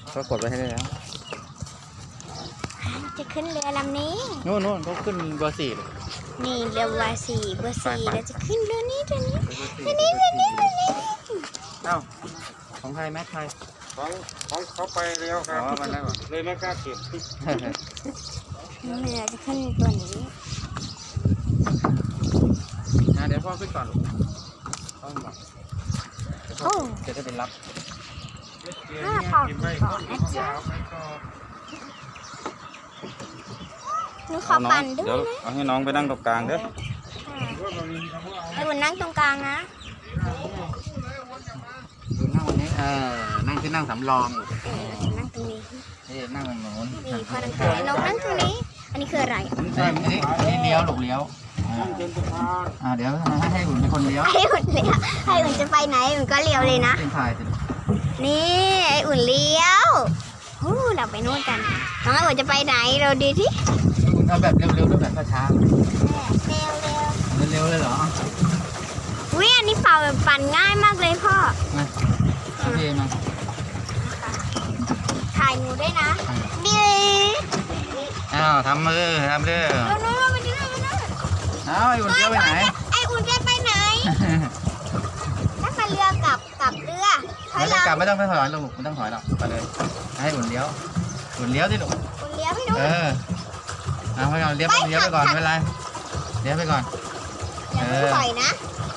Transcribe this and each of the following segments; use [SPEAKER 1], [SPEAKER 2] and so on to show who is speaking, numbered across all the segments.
[SPEAKER 1] เขากดไว้ให้ได้แล้ว
[SPEAKER 2] จะขึ้นเรือลำนี้
[SPEAKER 1] นู่นเขาขึ้นเบอร์ 4เลย
[SPEAKER 2] นี่เรือเบอร์ 4เราจะขึ้นเรือนี้เอ้
[SPEAKER 1] าของใครแม็กใคร
[SPEAKER 3] ของเขาไปแล้วครับ
[SPEAKER 1] มันแล้ว
[SPEAKER 3] เลยไม่กล้าเก็บ
[SPEAKER 2] เรือจะขึ้นตัวนี้
[SPEAKER 1] เดี๋ยวพ่อขึ้นก่อนลูกจะได้เป็นรับ
[SPEAKER 2] พ่อก่อนนะจ๊ะหนูขอปั่นด้วยนะ
[SPEAKER 1] เอาให้น้องไปนั่งตรงกลางเด้อ
[SPEAKER 2] ไอ้บุญนั่งตรงกลางนะ
[SPEAKER 1] นั่งวันนี้นั่งสำรอง
[SPEAKER 2] นั่งตรงนี้
[SPEAKER 1] นั่งตรงโน้น
[SPEAKER 2] นี่พอนั่งตรงนี้น้องนั่งตรงนี้อันนี้คืออะไร
[SPEAKER 1] ใช่นี่เลี้ยวหลบเลี้ยวเดี๋ยวให้อุ่นเป็นคนเลี้ยว
[SPEAKER 2] ให้อุ่นเลี้ยวให้อุ่นจะไปไหนอุ่นก็เลี้ยวเลยนะ
[SPEAKER 1] เป็นถ่ายสิ
[SPEAKER 2] นี่ไอ้อุ่นเลี้ยวเราไปนู่นกันน้องไอ้อุ่นจะไปไหนเราดูที่
[SPEAKER 1] เอาแบบเร็วๆด้วยแบบช้า
[SPEAKER 2] เร็ว
[SPEAKER 1] เลยเหรอ
[SPEAKER 2] อุ้ยอันนี้เป่าแบบปั่นง่ายมากเลยพ่อ
[SPEAKER 1] มาโอเคมา
[SPEAKER 2] ถ่ายหนูด้วยนะดี
[SPEAKER 1] ทำมือ
[SPEAKER 2] นู่นไปนู่น
[SPEAKER 1] ไอ้อุ่นเลี้ยวไปไหน
[SPEAKER 2] ไอ้อุ่นจะไปไหนถ้ามาเรือกลับเรือ
[SPEAKER 1] ไม่ต้องกลับไม่ต้องถอยลูกไม่ต้องถอยหรอกไปเลยให้อุ่นเลี้ยวสิลูก
[SPEAKER 2] อุ่นเลี้ยวให้ดู
[SPEAKER 1] เอาไปก่อนเลี้ยวไปก่อนไม่เป็นไรเลี้ยวไปก่อน
[SPEAKER 2] อย่าเพิ่งถอยนะ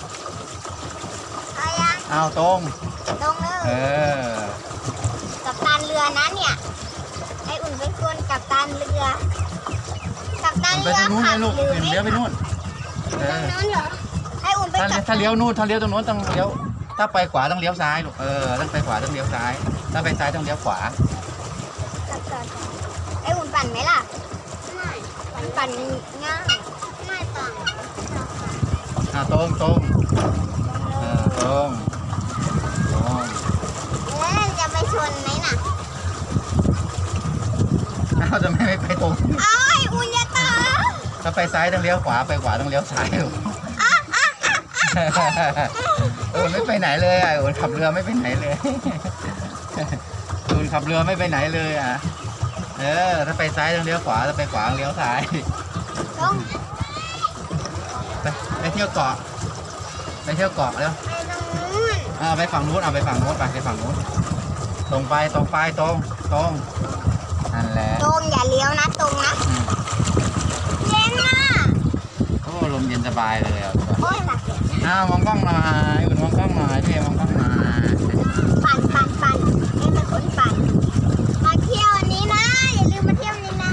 [SPEAKER 1] เอาตรง
[SPEAKER 2] เลยกับตันเรือนะเนี่ยไอ้อุ่นเป็นคนกับตันเรือ
[SPEAKER 1] ไปทางนู้นเลยลูกเลี้ยวไปนู่น
[SPEAKER 2] นั้นเหรอไอ้อุ่นไป
[SPEAKER 1] ถ้าเลี้ยวนู่นถ้าเลี้ยวตรงนู้นต้องเลี้ยวถ้าไปขวาต้องเลี้ยวซ้ายลูกต้องไปขวาต้องเลี้ยวซ้ายถ้าไปซ้ายต้องเลี้ยวขวา
[SPEAKER 2] ไอ้อุ่นปั่นไหมล่ะไม่ปั่นง่ายไม่ปั่น
[SPEAKER 1] ตรง
[SPEAKER 2] จะไปชนไหมน่ะ
[SPEAKER 1] จะไม่ไปตรง
[SPEAKER 2] ไอ้อุ่นอย่าตา
[SPEAKER 1] ถ้าไปซ้ายต้องเลี้ยวขวาไปขวาต้องเลี้ยวซ้ายลูกไม่ไปไหนเลยอุ่นขับเรือไม่ไปไหนเลยอุ่นขับเรือไม่ไปไหนเลยถ้าไปซ้ายต้องเลี้ยวขวาถ้าไปขวาต้องเลี้ยวซ้ายไปเที่ยวเกาะแล้วไปฝั่งนู้นไปฝั่งนู้นตรงไปนั่นแหละ
[SPEAKER 2] ตรงอย่าเลี้ยวนะตรงนะเย็นนะ
[SPEAKER 1] ลมเย็นสบายเลย
[SPEAKER 2] โอ้ยหนัก
[SPEAKER 1] มองกล้องหน่อยอุ่นมองกล้องหน่อยพี่มองกล้องหน่อย
[SPEAKER 2] ปั่น